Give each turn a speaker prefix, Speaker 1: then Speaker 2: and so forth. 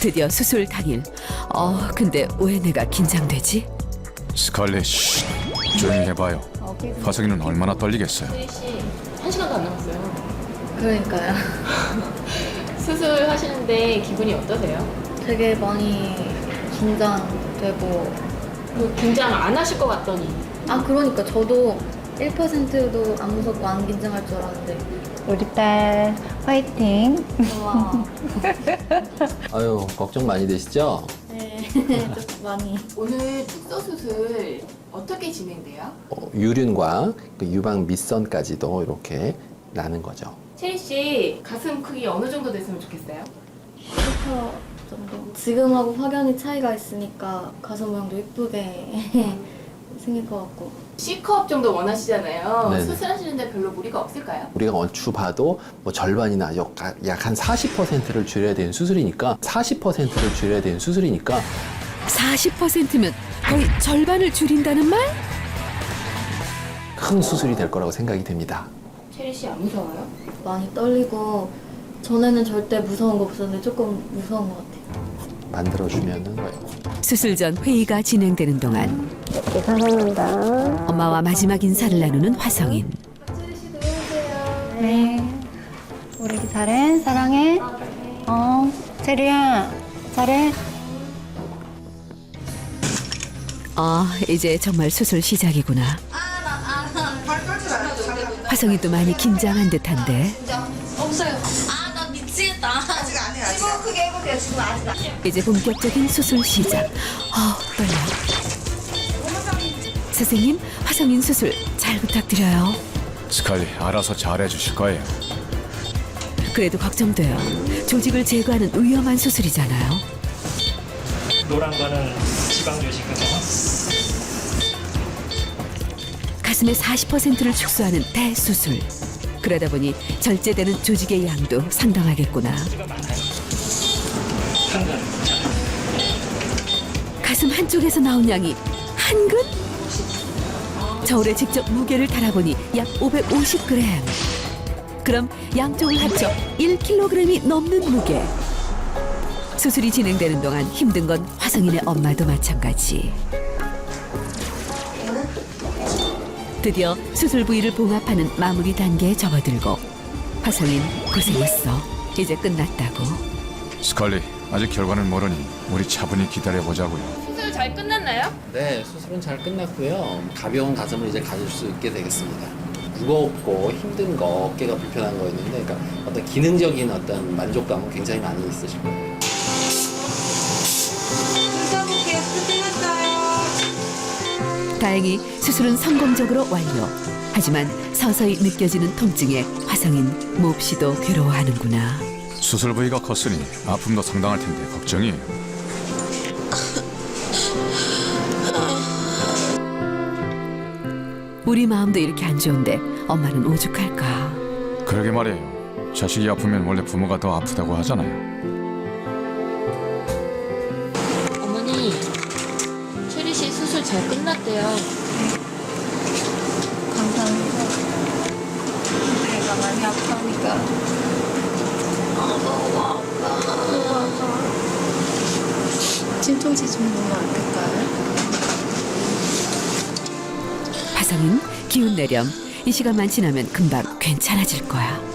Speaker 1: 드디어 수술 당일. 근데 왜 내가 긴장되지?
Speaker 2: 스칼렛, 쉿. 조용히 해봐요. 화성이는 얼마나 떨리겠어요.
Speaker 3: 씨, 1시간도 안 남았어요.
Speaker 4: 그러니까요.
Speaker 3: 수술하시는데 기분이 어떠세요?
Speaker 4: 되게 많이 긴장되고.
Speaker 3: 긴장 안 하실 것 같더니.
Speaker 4: 그러니까 저도 1%도 안 무섭고 안 긴장할 줄 알았는데.
Speaker 5: 우리 딸 화이팅.
Speaker 4: 와.
Speaker 6: 아유, 걱정 많이 되시죠?
Speaker 4: 네, 좀 많이.
Speaker 3: 오늘 축소 수술 어떻게 진행돼요?
Speaker 6: 유륜과 그 유방 밑선까지도 이렇게 나는 거죠.
Speaker 3: 체리 씨 가슴 크기 어느 정도 됐으면 좋겠어요?
Speaker 4: 1m 정도. 지금하고 확연히 차이가 있으니까 가슴 모양도 예쁘게 생길 것 같고.
Speaker 3: C컵 정도 원하시잖아요.
Speaker 6: 네네.
Speaker 3: 수술하시는데 별로 무리가 없을까요?
Speaker 6: 우리가 얼추 봐도 뭐 절반이나 약 한 40%를 줄여야 되는 수술이니까 40%를 줄여야 되는 수술이니까
Speaker 1: 40%면 거의 절반을 줄인다는 말?
Speaker 6: 큰 수술이 될 거라고 생각이 됩니다.
Speaker 3: 체리 씨 안 무서워요? 많이
Speaker 4: 떨리고 전에는 절대 무서운 거 없었는데 조금 무서운 것 같아요.
Speaker 6: 만들어주면은
Speaker 1: 수술 전 회의가 진행되는 동안
Speaker 5: 사랑한다.
Speaker 1: 엄마와 마지막 인사를 나누는 화성인.
Speaker 5: 네. 우리 잘해. 사랑해. 체리야. 잘해.
Speaker 1: 이제 정말 수술 시작이구나. 화성이도 많이 긴장한 듯한데
Speaker 7: 없어요. 나 미치겠다. 아직 안 해. 지금 크게 해볼게요. 지금 아직 안 해.
Speaker 1: 이제 본격적인 수술 시작. 떨려. 선생님, 화성인 수술 잘 부탁드려요.
Speaker 2: 스칼렛, 알아서 잘해주실 거예요.
Speaker 1: 그래도 걱정돼요. 조직을 제거하는 위험한 수술이잖아요.
Speaker 8: 노란 거는 지방 조직이거든요.
Speaker 1: 가슴의 40%를 축소하는 대수술. 그러다 보니 절제되는 조직의 양도 상당하겠구나.
Speaker 8: 한근.
Speaker 1: 가슴 한쪽에서 나온 양이 한근? 저울에 직접 무게를 달아보니 약 550g. 그럼 양쪽을 합쳐 1kg이 넘는 무게. 수술이 진행되는 동안 힘든 건 화성인의 엄마도 마찬가지. 드디어 수술 부위를 봉합하는 마무리 단계에 접어들고 화성인 고생했어. 이제 끝났다고.
Speaker 2: 스칼렛, 아직 결과는 모르니 우리 차분히 기다려보자고요.
Speaker 3: 수술 잘 끝났나요?
Speaker 6: 네, 수술은 잘 끝났고요. 가벼운 가슴을 이제 가질 수 있게 되겠습니다. 무겁고 힘든 거, 어깨가 불편한 거였는데, 그러니까 어떤 기능적인 어떤 만족감은 굉장히 많이 있으실 거예요.
Speaker 1: 다행히 수술은 성공적으로 완료. 하지만 서서히 느껴지는 통증에 화성인 몹시도 괴로워하는구나.
Speaker 2: 수술 부위가 컸으니 아픔도 상당할 텐데 걱정이에요.
Speaker 1: 우리 마음도 이렇게 안 좋은데 엄마는 오죽할까.
Speaker 2: 그러게 말이에요. 자식이 아프면 원래 부모가 더 아프다고 하잖아요.
Speaker 3: 어머니, 체리 씨 수술 잘 끝났대요.
Speaker 7: 감사합니다. 내가 많이 아프니까. 너무 아파. 진통제 좀 넣으면 안 될까요?
Speaker 1: 화성인 기운 내렴. 이 시간만 지나면 금방 괜찮아질 거야.